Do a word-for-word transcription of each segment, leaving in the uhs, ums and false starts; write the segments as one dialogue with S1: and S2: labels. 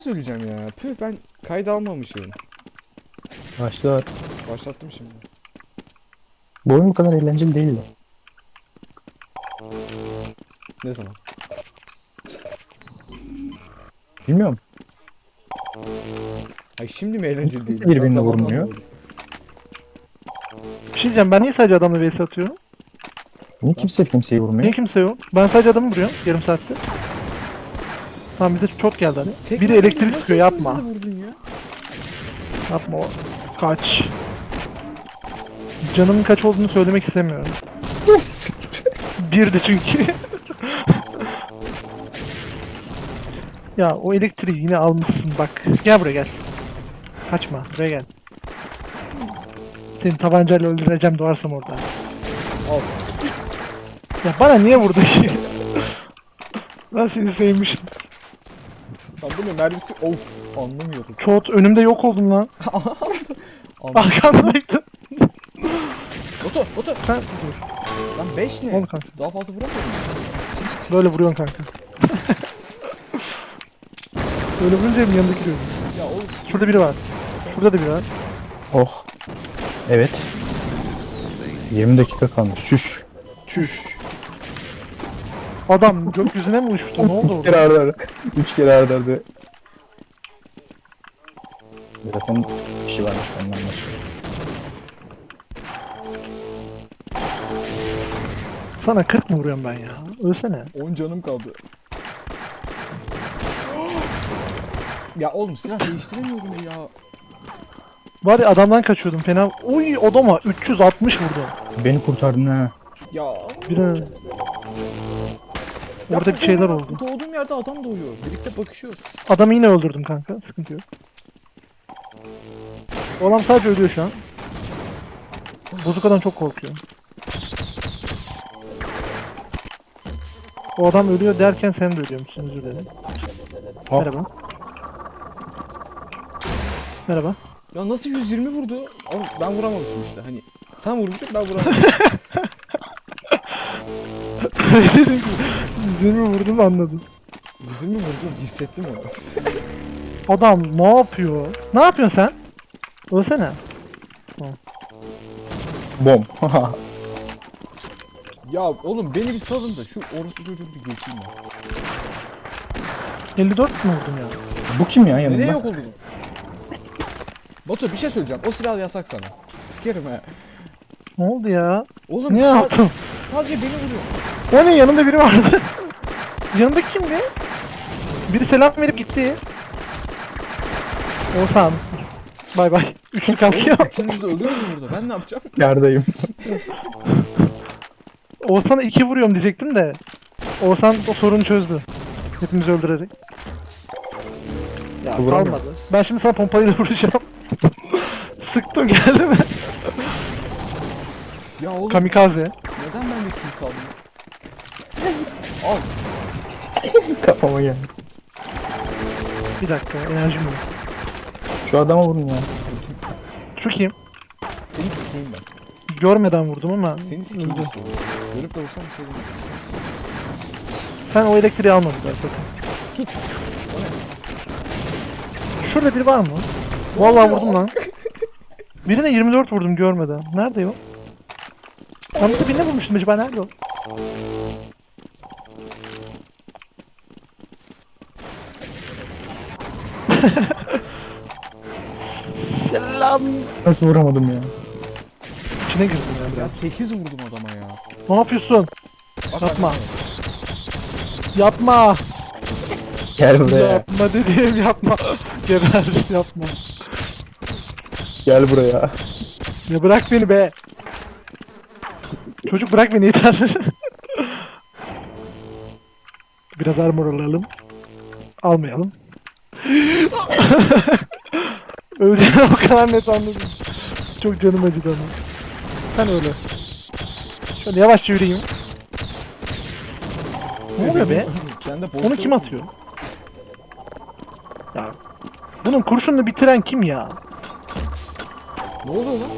S1: söyleyeceğim ya. Püh, ben kayda almamışım.
S2: Başla.
S1: Başlattım şimdi.
S2: Bu oyun bu kadar eğlenceli değildi.
S1: Ne zaman?
S2: Bilmiyorum.
S1: Ay şimdi mi eğlenceli değil?
S2: Kimse birbirini
S1: Ben zamanla
S2: vurmuyor.
S1: anlamadım.
S3: Bir şey diyeceğim, ben niye sadece adamla vs atıyorum?
S2: Niye kimse kimseyi
S3: Niye
S2: vurmuyor?
S3: kimse yok? Ben sadece adamı vuruyorum yarım saatte. Tamam, bir de çok geldi hadi.
S1: Tek
S3: Biri
S1: mermide
S3: elektrik
S1: nasıl
S3: sıkıyor,
S1: ikimizi
S3: yapma.
S1: de vurdun ya?
S3: Yapma o. Kaç. Canımın kaç olduğunu söylemek istemiyorum. Birdi çünkü. Ya o elektriği yine almışsın bak. Gel buraya gel. Kaçma, buraya gel. Seni tabancayla öldüreceğim doğarsam orada.
S1: Al.
S3: Ya bana niye vurdun ki? Ben seni sevmiştim.
S1: Lan bu ne mermisi? Of, anlamıyorum.
S3: Çoğut önümde yok oldun lan.
S1: Anlamıyorum.
S3: Arkandaydın.
S1: Oto, oto.
S3: Sen dur.
S1: Lan beş ne?
S3: Oldu kanka.
S1: Daha fazla vuramıyorum.
S3: Böyle vuruyorsun kanka. Böyle vurunca hem yanındaki görüyorum.
S1: Ya oğlum.
S3: Şurada biri var. Şurada da biri var.
S2: Oh. Evet. yirmi dakika kalmış. Çüş.
S3: Çüş. Adam gökyüzüne mi uçtu? Ne oldu
S2: Üç kere
S3: orada?
S2: arda arda. Üç kere arda arda. Zaten bir şey varmış benden başka.
S3: Sana kırk mı vuruyorum ben ya? Ölsene.
S1: on canım kaldı. Ya oğlum silah değiştiremiyorum ya.
S3: Var ya adamdan kaçıyordum fena. Uy adama üç yüz altmış vurdum.
S2: Beni kurtardın ha.
S1: Ya.
S3: Bir an... Orada bir şeyler oldu.
S1: Doğduğum yerde adam doğuyor. Birlikte bakışıyor.
S3: Adamı yine öldürdüm kanka. Sıkıntı yok. O adam sadece ölüyor şu an. Bozukadan çok korkuyorum. O adam ölüyor derken sen de ölüyormuşsun, özür dilerim.
S2: Hop.
S3: Merhaba. Merhaba.
S1: Ya nasıl yüz yirmi vurdu? Oğlum ben vuramamışım işte hani. Sen vurmuşsun, ben vuramamışım.
S3: Dedim ki yüz yirmi vurdum anladım.
S1: yüz yirmi vurdum, hissettim onu.
S3: Adam ne yapıyor? Ne yapıyorsun sen? Ölsene.
S2: Bom.
S1: Ya oğlum beni bir salın da şu orospu çocuğu bir geçeyim ya.
S3: elli dört mü vurdum ya?
S2: Bu kim ya yanında?
S1: Nereye yok oldu bu? Batu bir şey söyleyeceğim. O silah yasak sana. Sikerim he.
S3: Ne oldu ya?
S1: Oğlum
S3: Ne
S1: sa-
S3: yaptım?
S1: sadece beni vuruyor.
S3: O ne, yanında biri vardı. Yanındaki kimdi? Biri selam verip gitti. Oğuzhan. Bay bay. Üçlü kalkıyor.
S1: Oğlum üçünüzü de öldürürüm burada. Ben ne yapacağım?
S2: Yerdeyim.
S3: Oğuzhan'a iki vuruyorum diyecektim de. Oğuzhan o sorunu çözdü. Hepimizi öldürerek. Ya
S2: Vuramıyor.
S3: kalmadı. Ben şimdi sana pompayla vuracağım. Sıktım, geldi mi?
S1: Ya oğlum
S3: Kamikaze.
S1: neden ben de kill kaldım? Al.
S2: Kafama geldi.
S3: Bir dakika, enerjim yok.
S2: Şu adama vurun ya.
S3: Şu kim?
S1: Seni sikeyim ben.
S3: Görmeden vurdum ama
S1: Seni sikeyim
S3: öldü.
S1: işte. Görüp de vursam bir şey olmaz.
S3: Sen o elektriği alma bir daha sakın.
S1: Tut. O ne?
S3: Şurada biri var mı? Vallahi vurdum lan. Birine yirmi dört vurdum görmeden. Nerede o? Onu da birine vurmuştum acaba, nerede o? Selam.
S2: Nasıl vuramadım ya?
S3: İçine girdim ya
S1: Ya
S3: biraz.
S1: sekiz vurdum adama ya.
S3: Ne yapıyorsun?
S1: Bak,
S3: Yapma.
S1: bak,
S3: Yapma.
S2: Gel buraya.
S3: Yapma dediğim yapma. Geber yapma.
S2: Gel buraya.
S3: Ya bırak beni be. Çocuk bırak beni yeter. Biraz armor alalım. Almayalım. Öleceğini o kadar net anladım. Çok canım acıdı ama. Sen öyle. Şöyle yavaşça yürüyeyim. Ne oluyor be?
S1: Sen de
S3: Onu kim atıyor? Ya bunun kurşununu bitiren kim ya?
S1: Ne oluyor lan?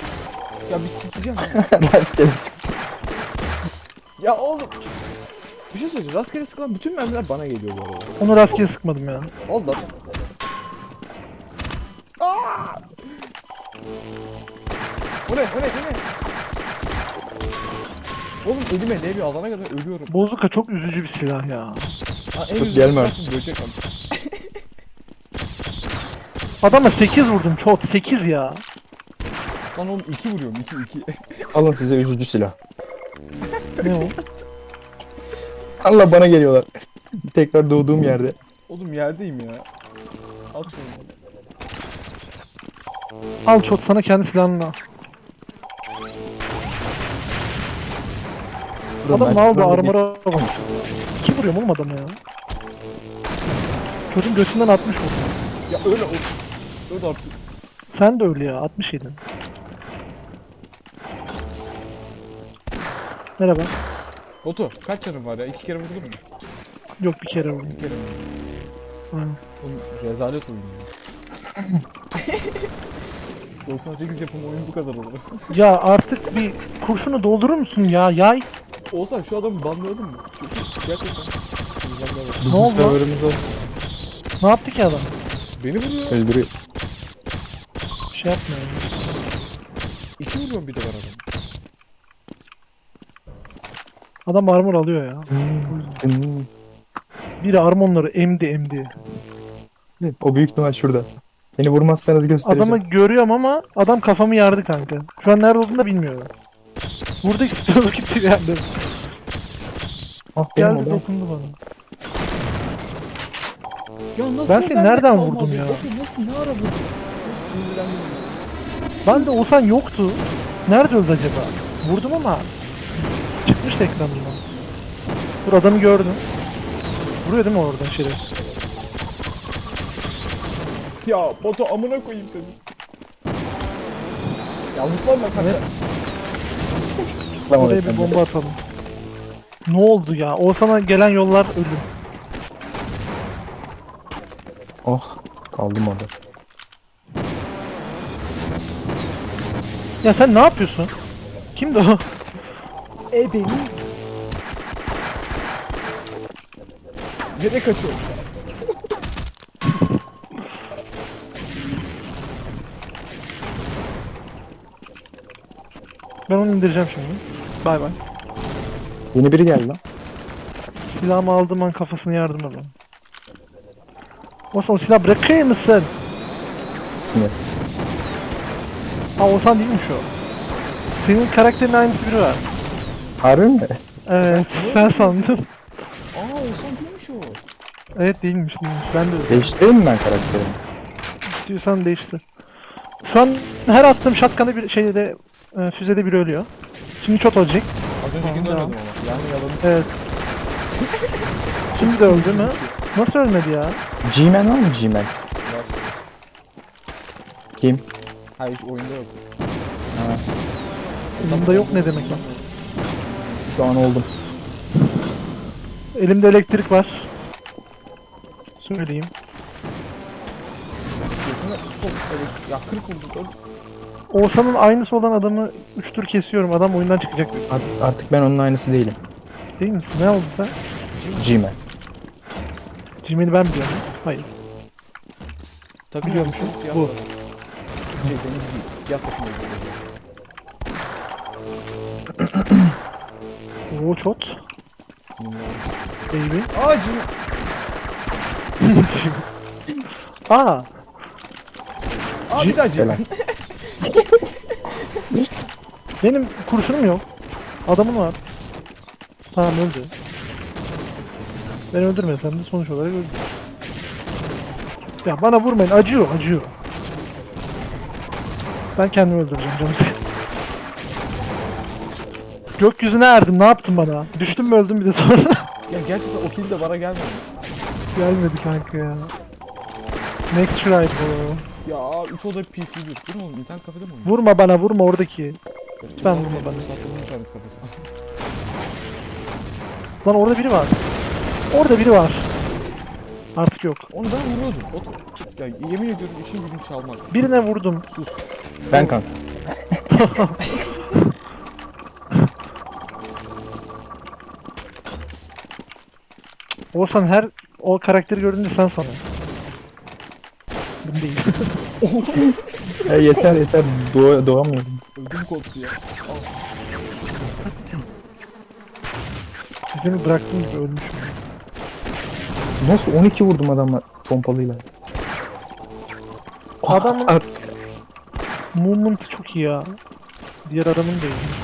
S1: Ya bir sikeceğim ya.
S2: Rastgele sık.
S1: Ya oğlum. Bir şey söyleyeceğim. Rastgele sıkılan bütün mermiler bana geliyor bu arada.
S3: Onu rastgele sıkmadım ya.
S1: Oldu lan. Aa! O ne? O ne? O ne? Oğlum elime değiyor. Alana kadar ölüyorum.
S3: Bozuka çok üzücü bir silah ya.
S1: Ha, en
S2: Yok,
S1: üzücü
S2: gelme
S1: tarafı böcek abi.
S3: Adama sekiz vurdum çok. sekiz ya.
S1: Lan oğlum iki vuruyorum. iki iki.
S2: Alın size üzücü silah.
S3: Ne o?
S2: Allah bana geliyorlar. Tekrar doğduğum yerde.
S1: Oğlum yerdeyim ya. At şunu.
S3: Al çok sana kendi silahını al.
S2: Dur,
S3: Adam
S2: ben
S3: ne aldı
S2: şuradan bir-
S3: armora bak. İki vuruyorum oğlum adamı ya. Çocuğun götünden altmış vurdum.
S1: Ya öyle o. Öyle artık.
S3: Sen de öyle ya altmış yedin. Merhaba.
S1: Batu kaç canın var ya? İki kere vurdun mu?
S3: Yok bir kere vurdum.
S1: Bir kere mi?
S3: Aynen.
S1: Oğlum rezalet oyun ya. doksan sekiz yapımı oyun bu kadar olur.
S3: Ya artık bir kurşunu doldurur musun ya? Yay.
S1: Olsan şu adamı banlayalım mı? Çünkü gerçekten sinirlenmeye başladı.
S2: Bizim
S3: oldu lan?
S2: serverimiz olsun.
S3: Ne yaptı ki adam?
S1: Beni vuruyor.
S2: Öldürüyor.
S3: Bir şey yapmıyor. ya.
S1: İki vuruyorum bir de ben adamı.
S3: Adam armor alıyor ya.
S2: Hmm.
S3: Biri armonları emdi emdi.
S2: O büyük ihtimal şurada. Beni vurmazsanız göstereceğim.
S3: Adamı görüyorum ama adam kafamı yardı kanka. Şu an nerede olduğunu da bilmiyorum. Burada istiyordu gitti bir yerde.
S2: Ah, benim
S3: Geldi
S2: odam.
S3: dokundu bana.
S1: Ya nasıl
S3: Ben seni
S1: bende
S3: nereden
S1: kalmaz
S3: vurdum ya?
S1: Batu nasıl ne ara vurdun? Nasıl sinirlendim?
S3: Ben de olsan yoktu. Nerede öldü acaba? Vurdum ama çıkmıştı ekranından. Dur adamı gördüm. Vuruyor değil mi oradan şerefsiz?
S1: Ya Batu amına koyayım seni. Ya zıplama sen de.
S3: Evet.
S2: Tamam,
S3: Oraya
S2: sen
S3: bir
S2: de.
S3: bomba atalım. Ne oldu ya? Oğuzhan'a gelen yollar ölüm.
S2: Oh, kaldım orada.
S3: Ya sen ne yapıyorsun? Kimdi o?
S1: E beni. Nereye kaçıyor?
S3: Ben onu indireceğim şimdi. Bay bay.
S2: Yeni biri geldi lan.
S3: Silahımı aldığım an kafasını yardım edin. Oğuzhan o silah bırakır mısın?
S2: Sinir.
S3: Ha Oğuzhan değilmiş o. Senin karakterin aynısı biri var.
S2: Harbi mi?
S3: Evet sen sandın.
S1: Aa Oğuzhan değilmiş o.
S3: Evet değilmiş değilmiş. Ben de öyle.
S2: Değiştireyim mi ben karakterimi?
S3: İstiyorsan değiştir. Şu an her attığım shotgun'da bir şeyde e, füzede biri ölüyor. Şimdi çok olacak.
S1: Az öncekini
S3: Tamam,
S1: ölmedim ama. Yani yalanı
S3: Evet. Şimdi de öldü mü? Nasıl ölmedi ya?
S2: G-Man var mı G-Man?
S1: var.
S2: Kim?
S1: Hayır oyunda yok.
S2: Ha,
S3: Elimde yok ne demek lan?
S2: şu an oldum.
S3: Elimde elektrik var. Söyleyeyim.
S1: Götüne sol evet. Ya kırık oldu. Öl.
S3: Oğuzhan'ın aynısı olan adamı üç tur kesiyorum. Adam oyundan çıkacak.
S2: Art- artık ben onun aynısı değilim.
S3: Değil misin? Ne oldu sen?
S2: G-Man.
S3: Jimmy'ni ben biliyorum. Hayır.
S1: Takım
S3: Biliyormuşum.
S1: elbise, Siyah
S3: Bu.
S1: Bu. Şey zenci değil. Siyah takım elbise.
S3: Oo çot.
S1: Sinirlendim.
S3: Baby.
S1: Aa Jimmy.
S3: Aa.
S1: Aa bir daha Jimmy.
S2: Helal.
S3: Benim kurşunum yok. Adamın var. Tamam öldü. Ben öldürmesem de sonuç olarak öldü. Ya bana vurmayın. Acıyor, acıyor. Ben kendimi öldüreceğim canım sıkı. Gökyüzüne erdim. Ne yaptın bana? Düştüm mü öldüm bir de sonra.
S1: Ya gerçekten o kill de bana gelmedi.
S3: Gelmedi kanka ya. Next try bu.
S1: Ya üç oda P C bir. Bu ne oğlum? İnternet kafede mi oynuyor?
S3: Vurma bana, vurma oradaki.
S1: Lütfen
S3: vurma bana.
S1: Sakladım internet kafesi.
S3: Lan orada biri var. Orada biri var. Artık yok.
S1: Onu ben vuruyordum. Otur. Ya yemin ediyorum işin gücün çalmak.
S3: Birine vurdum.
S1: Sus.
S2: Ben kanka.
S3: Oğuzhan her o karakteri gördüğünde sen sana. Bu değil.
S2: Ya yeter yeter. Doğa, doğamıyorum.
S1: Ödüm koptu ya. Al.
S3: Seni bıraktığım gibi ölmüşüm.
S2: Nasıl on iki vurdum adamla pompalıyla.
S3: Adamın-
S2: At-
S3: Movement çok iyi ya. Diğer adamın da iyi.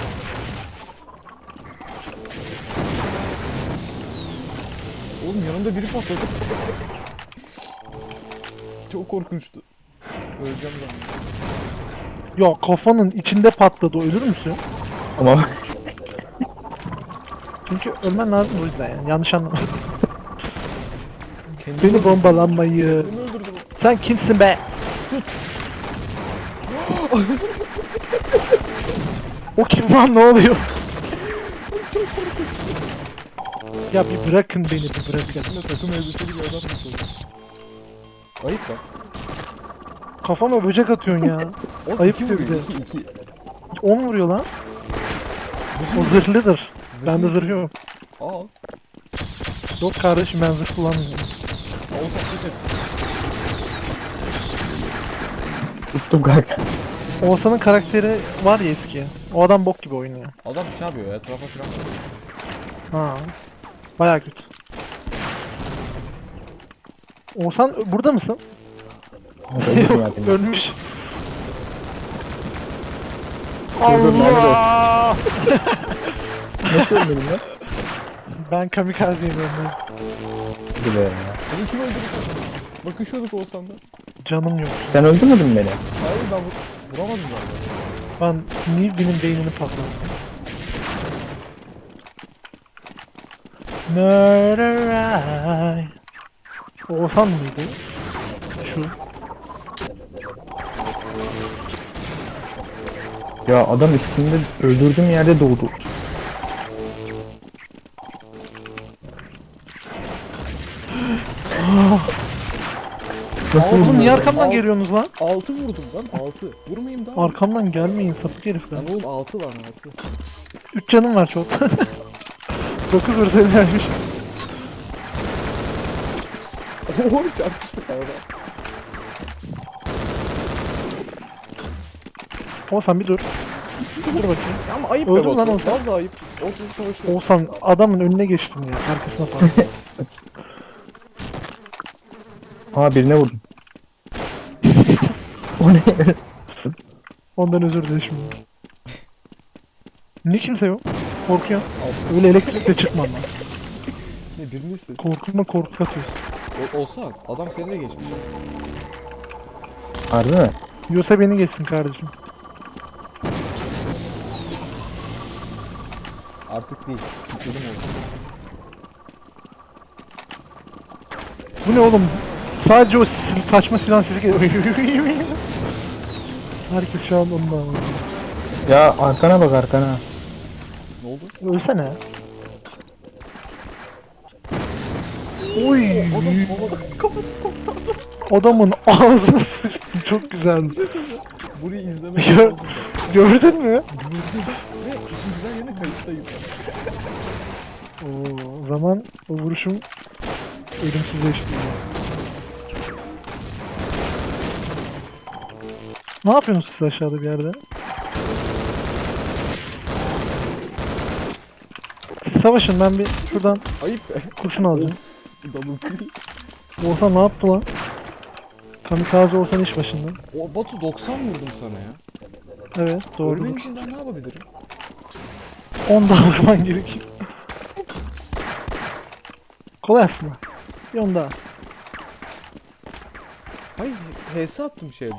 S1: Oğlum yanımda biri patladı. Çok korkunçtu. Öleceğim ben.
S3: Ya kafanın içinde patladı, ölür müsün?
S2: Ama
S3: Çünkü ölmen lazım o yüzden yani. Yanlış anlama.
S1: Kendimi
S3: Beni
S1: öldürdü.
S3: bombalanmayı.
S1: Beni öldürdü bu.
S3: Sen kimsin be?
S1: Tut.
S3: O kim lan, ne oluyor? Ya bir bırakın beni, bir bırakın.
S1: Şimdi takım elbiseli bir adam tutuldu. Ayıp lan.
S3: Kafama böcek atıyorsun ya.
S1: Oğlum
S3: Ayıp
S1: iki
S3: diyor
S1: vuruyor.
S3: bir de.
S1: iki iki.
S3: on vuruyor lan.
S1: Zırhlı
S3: O
S1: mı?
S3: zırhlıdır.
S1: Zırhlı
S3: Bende
S1: mı?
S3: zırh yok.
S1: Aa.
S3: Yok kardeşim, ben zırh kullanmıyorum.
S1: Oğuzhan tut hepsini.
S2: tuttum kanka.
S3: Oğuzhan'ın karakteri var ya eski. O adam bok gibi oynuyor.
S1: Adam bir şey yapıyor ya. Etrafa falan bakıyor.
S3: Ha. Bayağı kötü. Oğuzhan burada mısın?
S2: Öldüm ya
S3: Yok,
S2: demin.
S3: ölmüş.
S2: Dur, dur, nerede o?
S3: Allah!
S2: Nasıl ölmedim lan?
S3: Ben kamikazeyim ben.
S2: Hadi be.
S1: Seni kim öldürdü? Bakışıyorduk Oğuzhan'da.
S3: Canım yok.
S2: Sen öldürmedin mi beni?
S1: Hayır ben vur vuramadım ben.
S3: Ben Nilby'nin beynini patlattım. Murder I. Oğuzhan mıydı? Şu.
S2: Ya adam üstünde öldürdüğüm yerde doğdu. Nasıl
S3: Oğlum
S2: vurdun?
S3: niye
S1: Al-
S3: arkamdan
S1: al-
S3: geliyorsunuz lan?
S1: Altı vurdum lan. Altı. Vurmayayım daha.
S3: Arkamdan gelmeyin sapık herifler.
S1: Lan oğlum altı var altı.
S3: Üç canım var çok. Dokuz vursaydın vermiş.
S1: Oğlum çarpıştık arada.
S3: Oğuzhan bir dur. Dur bakayım.
S1: Ya ama ayıp
S3: Öldün
S1: be
S3: lan
S1: Batu.
S3: Oğuzhan.
S1: Vallahi ayıp. Ortada savaşıyor.
S3: Oğuzhan adamın önüne geçtin ya. Arkasına patladın.
S2: Aa birine vurdum. O ne?
S3: Ondan özür dilerim şimdi. Niye kimse yok? Korkuyor.
S1: Altı.
S3: Öyle elektrikle çıkmam lan.
S1: Ne birini istedim.
S3: Korkuma korku atıyorsun.
S1: O, olsa adam seni de geçmiş.
S2: Harbi mi?
S3: Yiyorsa beni geçsin kardeşim.
S1: Artık değil. Kitledim olsun.
S3: Bu ne oğlum? Sadece o sil- saçma silah sesi geliyor. Herkes şu an onunla ama.
S2: Ya arkana bak arkana.
S1: Ne oldu?
S3: Ölsene. Oy.
S1: Adam havada kafası koptu adam.
S3: Adamın ağzına sıçtı. Çok güzeldi.
S1: Burayı izlemek
S3: Gör-
S1: lazım.
S3: Gördün mü?
S1: Gördüm. Ve işin güzel yerine kayıttayım.
S3: Oo, o zaman o vuruşum ölümsüzleşti. Ne yapıyorsunuz siz aşağıda bir yerde? Siz savaşın, ben bir şuradan
S1: Ayıp be.
S3: kurşun alacağım.
S1: Double kill.
S3: Oğuzhan ne yaptı lan? Kamikaze Oğuzhan iş başında.
S1: O Batu doksan vurdum sana ya.
S3: Evet doğru.
S1: Ölmen için daha ne yapabilirim?
S3: on daha vurman gerekiyor. Kolay aslında. Bir on daha.
S1: Hayır, H S attım şeyde.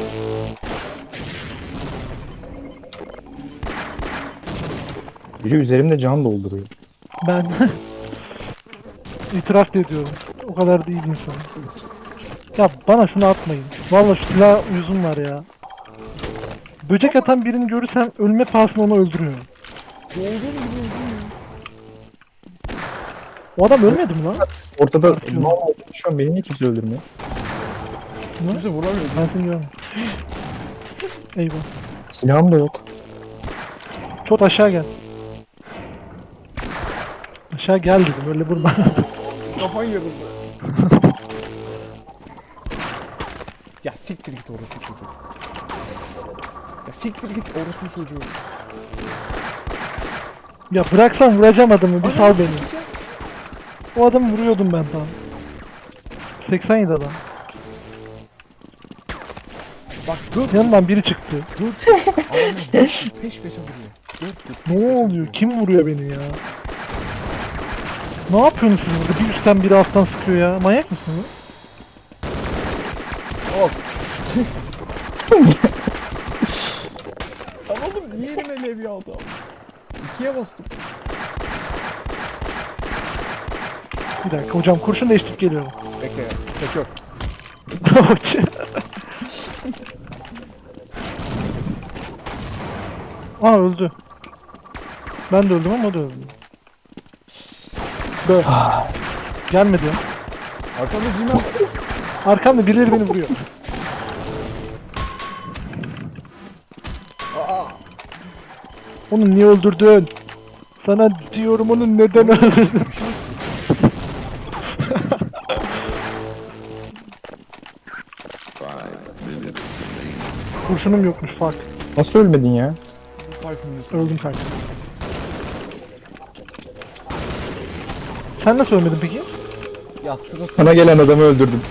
S2: Biri üzerimde can dolduruyor.
S3: Ben itiraf da ediyorum. O kadar değil insan. Ya bana şunu atmayın. Vallahi şu silah yüzüm var ya. Böcek atan birini görürsem ölme pahasına onu öldürüyorum.
S1: Olduğum gibi öldüm
S3: O adam ölmedi mi lan?
S2: Ortada
S3: Artık
S2: ne oldu? Şu an beni niye kimse öldürmüyor?
S1: ya.
S3: Ne?
S1: Kimse vuramıyor.
S3: Ben seni görmedim. Eyvah.
S2: Silahım da yok.
S3: Çok aşağı gel. Aşağı gel dedim, öyle vurma.
S1: kafan yarıldı. Ya siktir git orospu çocuğu. Ya siktir git orospu çocuğu.
S3: Ya bıraksan vuracağım adamı bir sal
S1: Ananı
S3: beni.
S1: sikeceğim.
S3: O adamı vuruyordum ben tam. seksen yedi adam.
S1: Bak dört
S3: Yanından biri çıktı.
S1: dört adamlar dört peş peşe vuruyor. Dört dört peş
S3: Ne
S1: peşe
S3: oluyor?
S1: vuruyor.
S3: Kim vuruyor beni ya? Ne yapıyorsunuz siz burada? Bir üstten biri alttan sıkıyor ya. Manyak mısınız?
S1: Hop. Lan oğlum niye elime levye aldı abi? İkiye bastım.
S3: Bir dakika hocam kurşun değiştirip geliyorum.
S1: Bekle ya. Tek yok.
S3: Aa öldü. Ben de öldüm ama o da öldü. Be. Gelmedi ya.
S1: Arkamda Cimen var.
S3: Arkamda birileri beni vuruyor.
S1: Aa.
S3: Onu niye öldürdün? Sana diyorum onu neden öldürdün?
S1: Bir şey uçtu.
S3: Kurşunum yokmuş fark.
S2: Nasıl ölmedin ya?
S1: Five minutes.
S3: Öldüm kanka. Sen nasıl ölmedin peki?
S1: Ya sırası.
S2: Sana gelen adamı öldürdüm.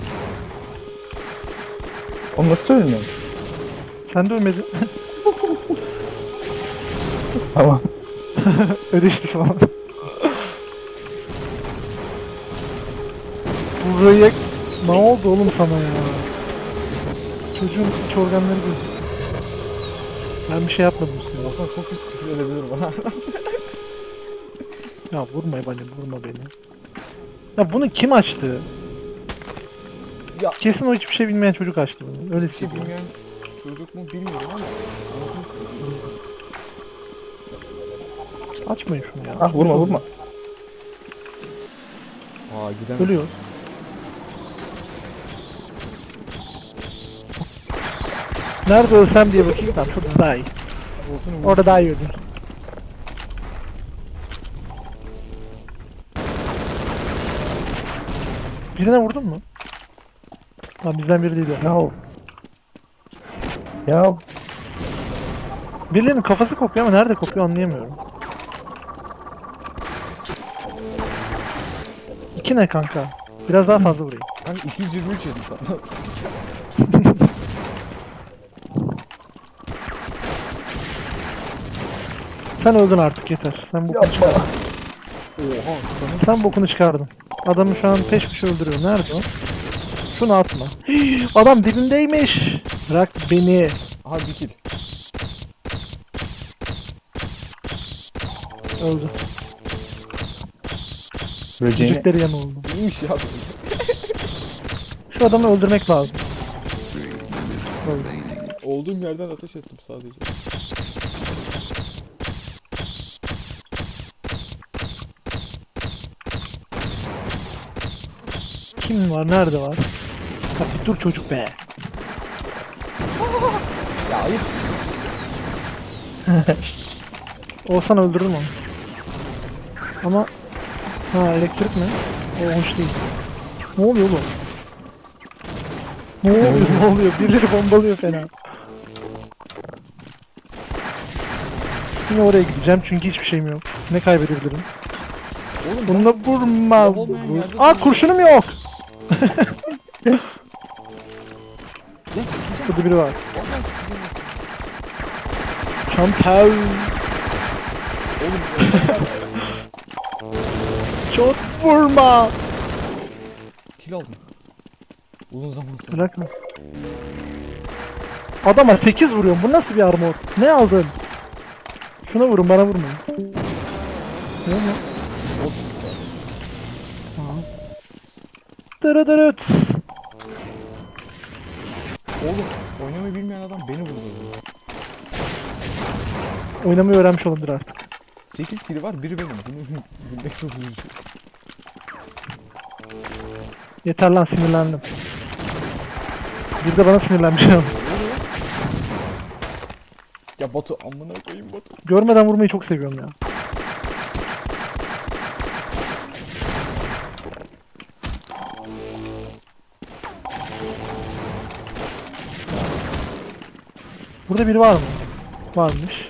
S2: O nasıl ölmüyor?
S3: Sen de ölmedin.
S2: Tamam.
S3: Ödeştik falan. Buraya ne oldu oğlum sana ya? Çocuğun iç organları gözüküyor. Ben bir şey yapmadım sana.
S1: Olsan çok pis küfür edebilir bana.
S3: Ya vurma beni, vurma beni. Ya bunu kim açtı?
S1: Ya.
S3: Kesin o hiçbir şey bilmeyen çocuk açtı bunu. Öyle
S1: Bir şey
S3: hissediyorum.
S1: bilmeyen çocuk mu bilmiyorum ama. Anasını satayım.
S3: Açmayın şunu ya.
S2: Ah vurma vurma.
S1: Aa gidemem.
S3: Ölüyor. Nerede ölsem diye bakayım. Tamam şurada daha iyi.
S1: Olsun vur.
S3: Orada daha iyi öldüm. Birine vurdun mu? Tamam bizden biri değil o.
S2: Ya. Ya
S3: Birilerinin kafası kopuyor ama nerede kopuyor anlayamıyorum. İki ne kanka? Biraz daha fazla vurayım.
S1: Ben iki yüz yirmi üç yedim senden.
S3: Sen öldün artık yeter. Sen bokunu
S2: yapma.
S3: çıkardın.
S1: Oha. Kanı
S3: Sen bokunu çıkardın. Adamı şu an peş peşe öldürüyor. Nerede o? Şunu atma. Hii, adam dibimdeymiş. Bırak beni.
S1: Aha bir kill.
S3: Öldü.
S2: Böceğini.
S3: Cicikleri yan oldu.
S1: İyiymiş ya.
S3: Şu adamı öldürmek lazım. Öldü.
S1: Olduğum yerden ateş ettim sadece.
S3: Kim var? Nerede var? Bak bir dur çocuk be.
S1: Ya ayıp.
S3: Olsan öldürürüm onu. Ama ha elektrik mi? O hoş değil. Ne oluyor oğlum? Ne oluyor? Ne oluyor? Birileri bombalıyor fena. Yine oraya gideceğim çünkü hiçbir şeyim yok. Ne kaybedebilirim?
S1: Oğlum
S3: Bununla vurma.
S1: Silah olmayan yerde
S3: Aa
S1: duruyor.
S3: kurşunum yok.
S1: ya sikeceğim.
S3: Şurada biri var.
S1: Vallahi sikeceğim.
S3: Çantal.
S1: Oğlum
S3: Çok vurma.
S1: kill aldım. Uzun zaman sonra.
S3: Bırakma. Adama sekiz vuruyorum. Bu nasıl bir armor? Ne aldın? Şuna vurun bana vurmayın. Ne mi?
S1: Bot çıktı.
S3: Dırıdırıts.
S1: Oğlum oynamayı bilmeyen adam beni vurdu.
S3: Oynamayı öğrenmiş olabilir artık.
S1: sekiz kill var, biri benim. Bunu bilmek çok üzücü.
S3: Yeter lan sinirlendim. Bir de bana sinirlenmiş ama.
S1: Ya Batu amına koyayım Batu.
S3: Görmeden vurmayı çok seviyorum ya. Burada biri var mı? Varmış.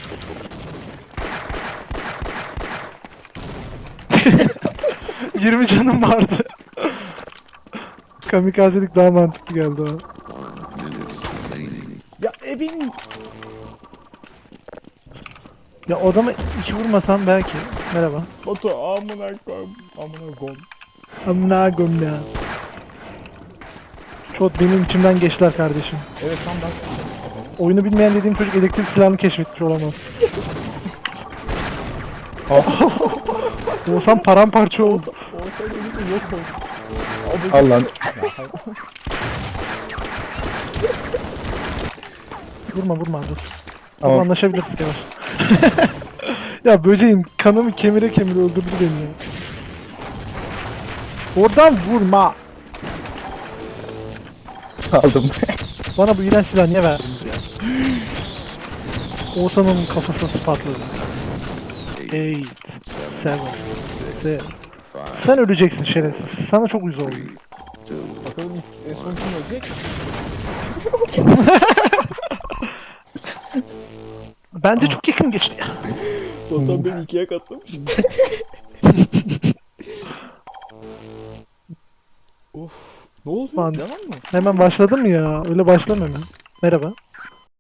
S3: yirmi canım vardı. Kamikazelik daha mantıklı geldi o.
S1: Ya ebenin.
S3: Ya o adamı iki vurmasam belki. Merhaba.
S1: Batu amına koyayım. Amına koyayım.
S3: Amına koyayım ya. Çok benim içimden geçtiler kardeşim.
S1: Evet tam ben sıkıyorum.
S3: Oyunu bilmeyen dediğim çocuk elektrik silahını keşfetmiş olamaz. Olsam paramparça oldu.
S1: Olsa, olsa elinde yok oldu. Abi,
S2: Al lan.
S1: Ya, hayır.
S3: Vurma vurma dur.
S2: Tamam.
S3: Ama anlaşabiliriz Kemal. Ya böceğin kanımı kemire kemire öldürdü beni ya. Oradan vurma.
S2: Aldım.
S3: Bana bu iğrenç silahı niye verdiniz ya? Oğuzhan'ın kafasına spatladı. Eight, seven, seven. Sen öleceksin şerefsiz. Sana çok uyuz oldum.
S1: Bakalım ilk en son kim ölecek?
S3: Bence çok yakın geçti ya.
S1: Batuhan beni ikiye katlamış. Of. Ne oluyor?
S3: Lan.
S1: Devam mı?
S3: Hemen başladı mı ya? Öyle başlamıyor mu? Merhaba.